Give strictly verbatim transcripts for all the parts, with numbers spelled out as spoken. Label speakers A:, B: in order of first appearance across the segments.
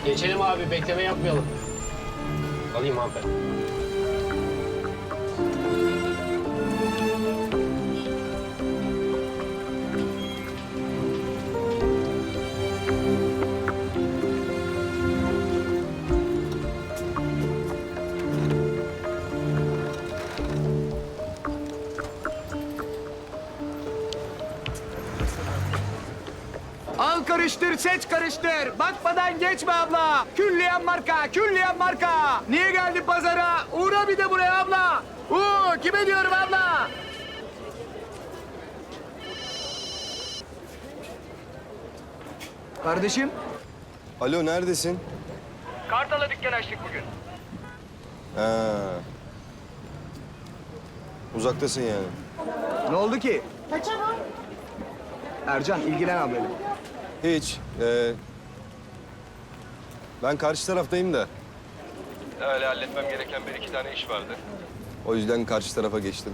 A: Geçelim abi, bekleme yapmayalım. Alayım hanımefendi.
B: Al karıştır, seç karıştır. Bakmadan geçme abla. Külliyen marka, külliyen marka. Niye geldin pazara? Uğra bir de buraya abla. Uuu, kime diyorum abla? Kardeşim.
C: Alo, neredesin?
B: Kartal'a dükkan açtık bugün.
C: Ha. Uzaktasın yani.
B: Ne oldu ki? Ercan, ilgilen ablayla.
C: Hiç. Ee, ben karşı taraftayım da. Öyle halletmem gereken bir iki tane iş vardı. O yüzden karşı tarafa geçtim.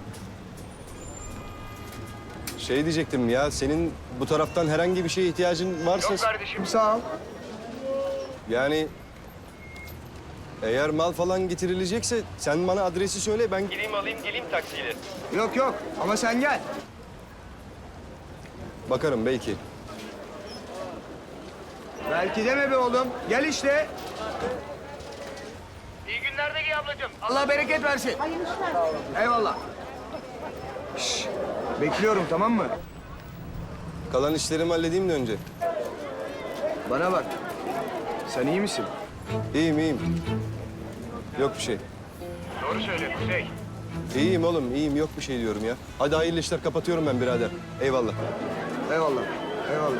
C: Şey diyecektim ya, senin bu taraftan herhangi bir şeye ihtiyacın varsa...
B: kardeşim, sağ ol.
C: Yani eğer mal falan getirilecekse sen bana adresi söyle, ben gideyim alayım geleyim taksiyle.
B: Yok yok, ama sen gel.
C: Bakarım belki.
B: Belki deme be oğlum. Gel işte. İyi günler de giy ablacığım. Allah bereket versin. Hayırlı işler. Eyvallah. Şş, bekliyorum, tamam mı?
C: Kalan işlerimi halledeyim de önce.
B: Bana bak. Sen iyi misin?
C: İyiyim iyiyim. Yok bir şey.
B: Doğru söyle Kuzey.
C: İyiyim oğlum, iyiyim. Yok bir şey diyorum ya. Hadi hayırlı işler, kapatıyorum ben birader. Eyvallah.
B: Eyvallah. Eyvallah.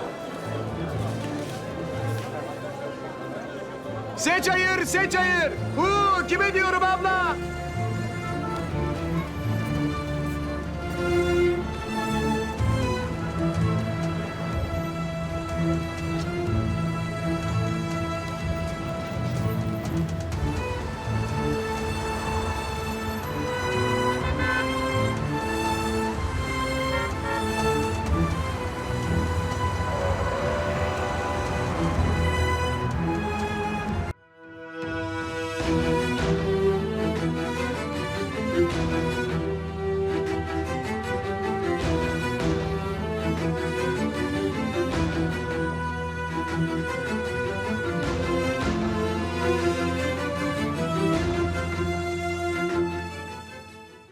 B: Seç hayır, seç hayır. Huu, kime diyorum abla?